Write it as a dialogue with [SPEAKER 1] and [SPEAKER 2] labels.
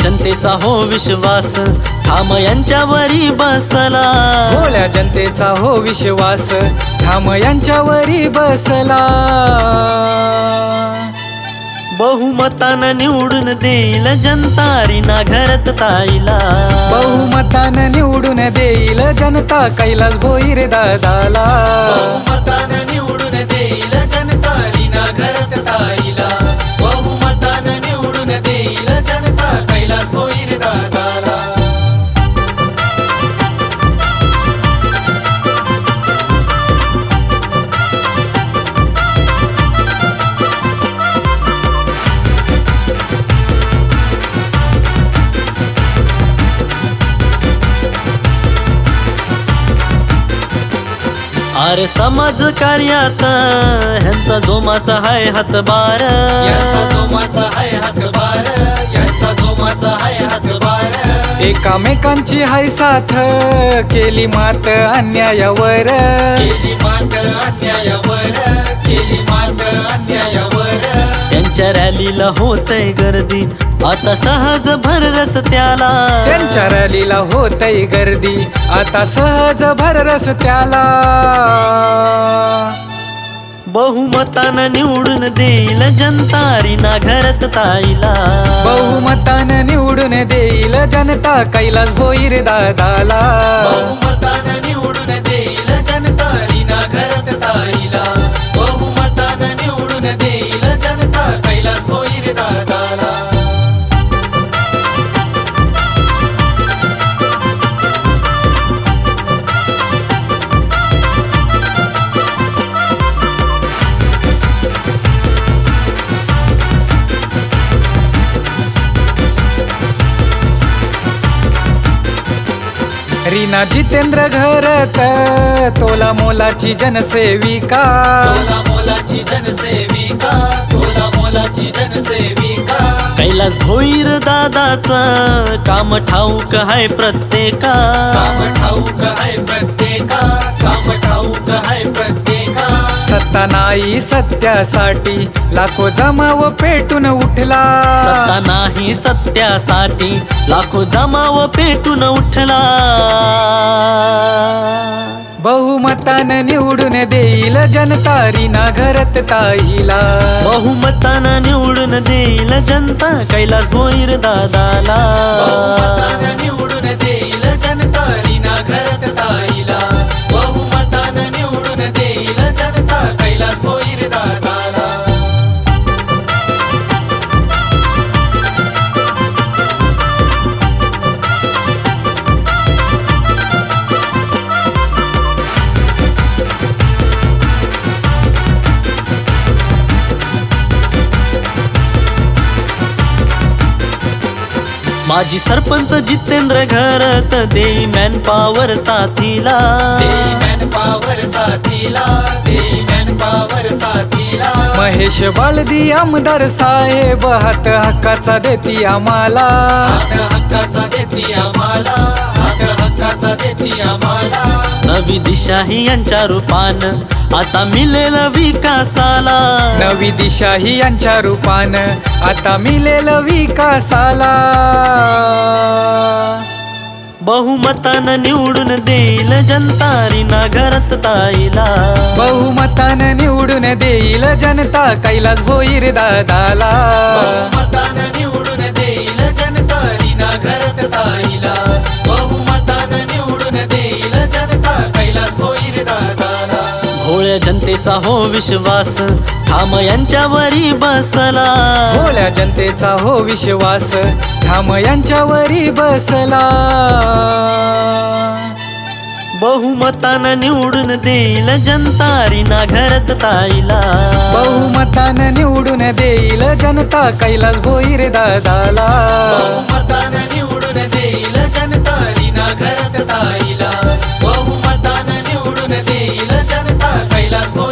[SPEAKER 1] जनतेचा हो विश्वास ठाम यांच्यावरी बसला.
[SPEAKER 2] भोळ्या जनतेचा हो विश्वास ठाम यांच्यावरी बसला.
[SPEAKER 1] बहुमतानं निवडून देईल जनता रीना घरत ताईला.
[SPEAKER 2] बहुमतानं निवडून देईल जनता कैलास भोईर दादाला.
[SPEAKER 1] बहुमतानं निवडून देईल जनता रीना घरत ताईला. बहुमतानं निवडून देईल जनता कैलास भोईर दादाला. अरे समाज कार्यात ह्यांचा जोमाचा हाय हातभार.
[SPEAKER 2] यांचा जोमाचा हाय हातभार. यांचा जोमाचा हाय हातभार. एकामेकांची हाय साथ केली मात अन्यायावर.
[SPEAKER 1] केली मात अन्यायावर. केली मात अन्यायावर. त्यांच्या रॅलीला होतय गर्दी आता सहज भर रस्त्याला.
[SPEAKER 2] त्यांच्या रॅलीला होतय गर्दी आता सहज भर रस्त्याला.
[SPEAKER 1] बहुमतानं निवडून देईल जनता रीना घरत ताईला.
[SPEAKER 2] बहुमतानं निवडून देईल जनता कैलास भोईर दादाला.
[SPEAKER 1] बहुमतानं निवडून देईल जनता रीना घरत ताईला. बहुमतानं निवडून देईल जनता कैलास भोईर दादाला.
[SPEAKER 2] रीना जितेंद्र घरत तोला मोलाची जनसेविका.
[SPEAKER 1] तोला मोलाची जनसेविका. तोला मोलाची जनसेविका. कैलास भोईर दादाचं काम ठाऊक हाय प्रत्येका. काम ठाऊक हाय प्रत्येका. काम ठाऊक हाय प्रत्येका.
[SPEAKER 2] सत्ता नाही सत्यासाठी लाखो जमाव पेटून उठला.
[SPEAKER 1] सत्ता नाही सत्यासाठी लाखो जमाव पेटून उठला.
[SPEAKER 2] बहुमतानं निवडून देईल जनता रीना घरत ताईला.
[SPEAKER 1] बहुमतानं निवडून देईल जनता कैलास भोईर दादाला. बहुमतानं निवडून देईल जनता रीना घरत ताईला. बहुमतानं निवडून देईल जनता कैलास भोईर दादाला. माजी सरपंच जितेंद्र घरत देई मॅन पॉवर साथीला. देई मॅन पॉवर साथीला. देई मॅन पॉवर साथीला.
[SPEAKER 2] महेश बालदी आमदार साहेब हात हक्काचा देती आम्हाला.
[SPEAKER 1] हात हक्काचा देती आम्हाला. हात हक्काचा देती आम्हाला. नवी दिशा ही यांच्या रूपान आता मिळेल विकासाला.
[SPEAKER 2] नवी दिशा ही यांच्या रूपान आता मिळेल विकासाला.
[SPEAKER 1] बहुमतानं निवडून देईल जनता रीना घरत ताईला.
[SPEAKER 2] बहुमतानं निवडून देईल जनता कैलास भोईर दादाला.
[SPEAKER 1] बहुमतानं निवडून देईल जनता रीना घरत ताईला. बहुमतानं निवडून देईल जनता कैलास भोईर दादाला. भोळ्या जनतेचा हो विश्वास ठाम यांच्यावरी बसला.
[SPEAKER 2] भोळ्या जनतेचा हो विश्वास ठाम यांच्यावरी बसला.
[SPEAKER 1] बहुमतानं निवडून देईल जनता रीना घरत ताईला.
[SPEAKER 2] बहुमतानं निवडून देईल जनता कैलास भोईर दादाला.
[SPEAKER 1] बहुमतानं निवडून देईल जनता रीना घरत ताईला. बहुमतानं निवडून देईल जनता कैलास